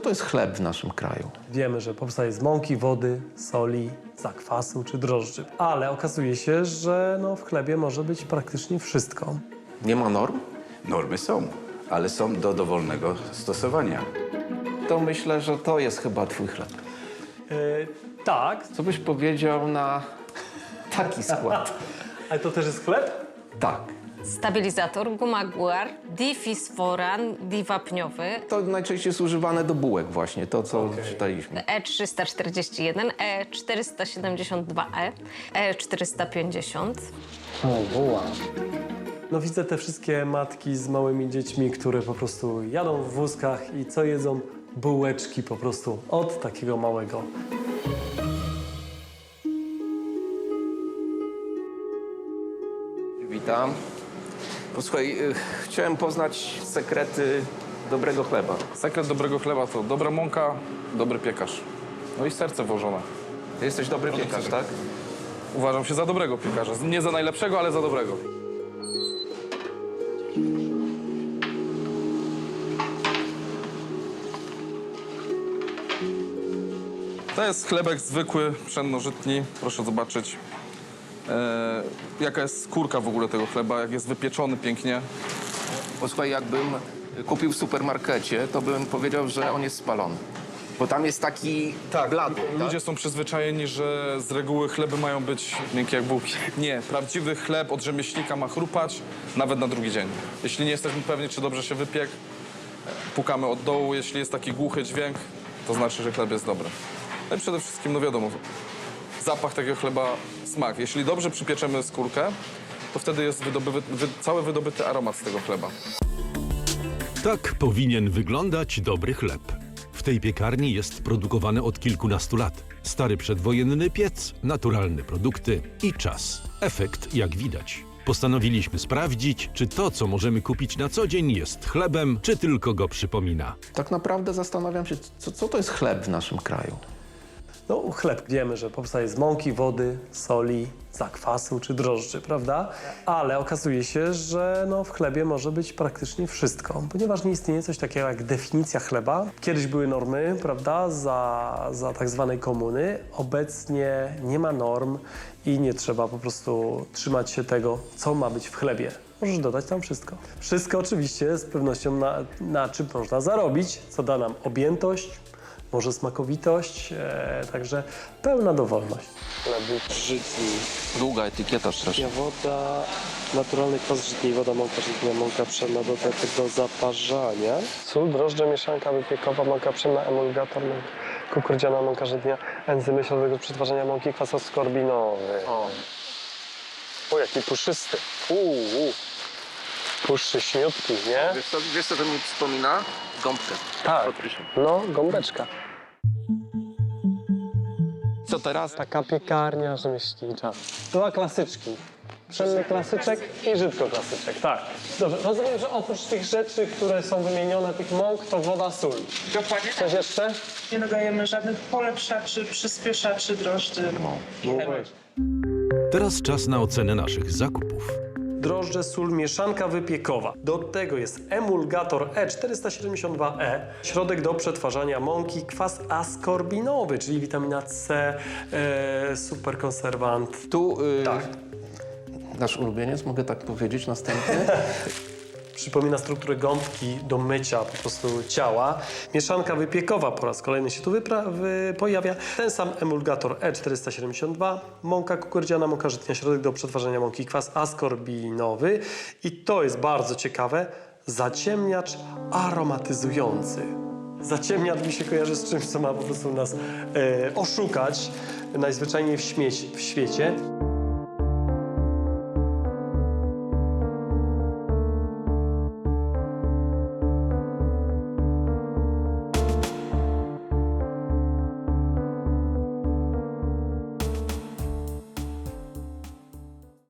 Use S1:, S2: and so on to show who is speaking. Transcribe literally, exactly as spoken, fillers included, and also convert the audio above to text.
S1: to jest chleb w naszym kraju?
S2: Wiemy, że powstaje z mąki, wody, soli, zakwasu czy drożdży. Ale okazuje się, że no, w chlebie może być praktycznie wszystko.
S1: Nie ma norm?
S3: Normy są, ale są do dowolnego stosowania.
S1: To myślę, że to jest chyba twój chleb.
S2: Yy, tak,
S1: Co byś powiedział na taki skład?
S2: ale to też jest chleb?
S1: Tak.
S4: Stabilizator, guma guar, difisforan, diwapniowy,
S1: To najczęściej jest używane do bułek właśnie, to co
S2: Okej.
S1: czytaliśmy.
S4: E trzysta czterdzieści jeden, E czterysta siedemdziesiąt dwa E, E czterysta pięćdziesiąt.
S2: No widzę te wszystkie matki z małymi dziećmi, które po prostu jadą w wózkach i co jedzą? Bułeczki po prostu od takiego małego.
S1: Witam. Posłuchaj, y, chciałem poznać sekrety dobrego chleba.
S5: Sekret dobrego chleba to dobra mąka, dobry piekarz. No i serce włożone.
S1: Ty jesteś dobry piekarz, tak?
S5: Uważam się za dobrego piekarza. Nie za najlepszego, ale za dobrego. To jest chlebek zwykły, pszennożytni. Proszę zobaczyć, e, jaka jest skórka w ogóle tego chleba, jak jest wypieczony pięknie.
S1: Posłuchaj, jakbym kupił w supermarkecie, to bym powiedział, że on jest spalony. Bo tam jest taki blady,
S5: Ludzie
S1: tak?
S5: są przyzwyczajeni, że z reguły chleby mają być miękkie jak bułki. Nie, prawdziwy chleb od rzemieślnika ma chrupać nawet na drugi dzień. Jeśli nie jesteśmy pewni, czy dobrze się wypiekł, pukamy od dołu. Jeśli jest taki głuchy dźwięk, to znaczy, że chleb jest dobry. No i przede wszystkim, no wiadomo, zapach takiego chleba, smak. Jeśli dobrze przypieczemy skórkę, to wtedy jest wydobywy, wy, cały wydobyty aromat z tego chleba.
S6: Tak powinien wyglądać dobry chleb. W tej piekarni jest produkowany od kilkunastu lat. Stary przedwojenny piec, naturalne produkty i czas. Efekt jak widać. Postanowiliśmy sprawdzić, czy to, co możemy kupić na co dzień, jest chlebem, czy tylko go przypomina.
S1: Tak naprawdę zastanawiam się, co, co to jest chleb w naszym kraju?
S2: No chleb wiemy, że powstaje z mąki, wody, soli, zakwasu czy drożdży, prawda? Ale okazuje się, że no, w chlebie może być praktycznie wszystko, ponieważ nie istnieje coś takiego jak definicja chleba. Kiedyś były normy, prawda, za, za tak zwanej komuny. Obecnie nie ma norm i nie trzeba po prostu trzymać się tego, co ma być w chlebie. Możesz dodać tam wszystko. Wszystko oczywiście z pewnością na, na czym można zarobić, co da nam objętość, może smakowitość, e, także pełna dowolność. Chleby żytni,
S1: Długa etykieta strasznie.
S2: woda, naturalny kwas żytni, woda, mąka żytnia, mąka pszenna, dodatek do zaparzania, sól, drożdże, mieszanka wypiekowa, mąka pszenna, emulgator, mąka kukurydziana, mąka żytnia, enzymy, środek do przetwarzania mąki, kwas skorbinowy.
S1: O.
S2: O, jaki puszysty. Uuu, puszczy śmiutki, nie?
S1: Wiesz co, wiesz co to mi przypomina? Gąbkę.
S2: Tak, no, gąbeczka.
S1: Co teraz?
S2: Taka piekarnia rzemieślnicza. Dwa klasyczki. Pszenny klasyczek i żydko klasyczek, tak. Dobrze, rozumiem, że oprócz tych rzeczy, które są wymienione, tych mąk, to woda, sól.
S7: Dokładnie.
S2: Coś jeszcze?
S7: Nie dodajemy żadnych polepszaczy, przyspieszaczy, drożdży.
S2: No weź.
S6: Teraz czas na ocenę naszych zakupów.
S2: Drożdże, sól, mieszanka wypiekowa. Do tego jest emulgator E czterysta siedemdziesiąt dwa E, środek do przetwarzania mąki, kwas askorbinowy, czyli witamina C, e, super konserwant.
S1: Tu y,
S2: Tak.
S1: nasz ulubieniec, mogę tak powiedzieć, następny.
S2: Przypomina strukturę gąbki do mycia po prostu ciała. Mieszanka wypiekowa po raz kolejny się tu wypra- wy- pojawia. Ten sam emulgator E czterysta siedemdziesiąt dwa, mąka kukurydziana, mąka żytnia, środek do przetwarzania mąki, kwas askorbinowy. I to jest bardzo ciekawe, zaciemniacz aromatyzujący. Zaciemniacz mi się kojarzy z czymś, co ma po prostu nas e, oszukać najzwyczajniej w, śmieci, w świecie.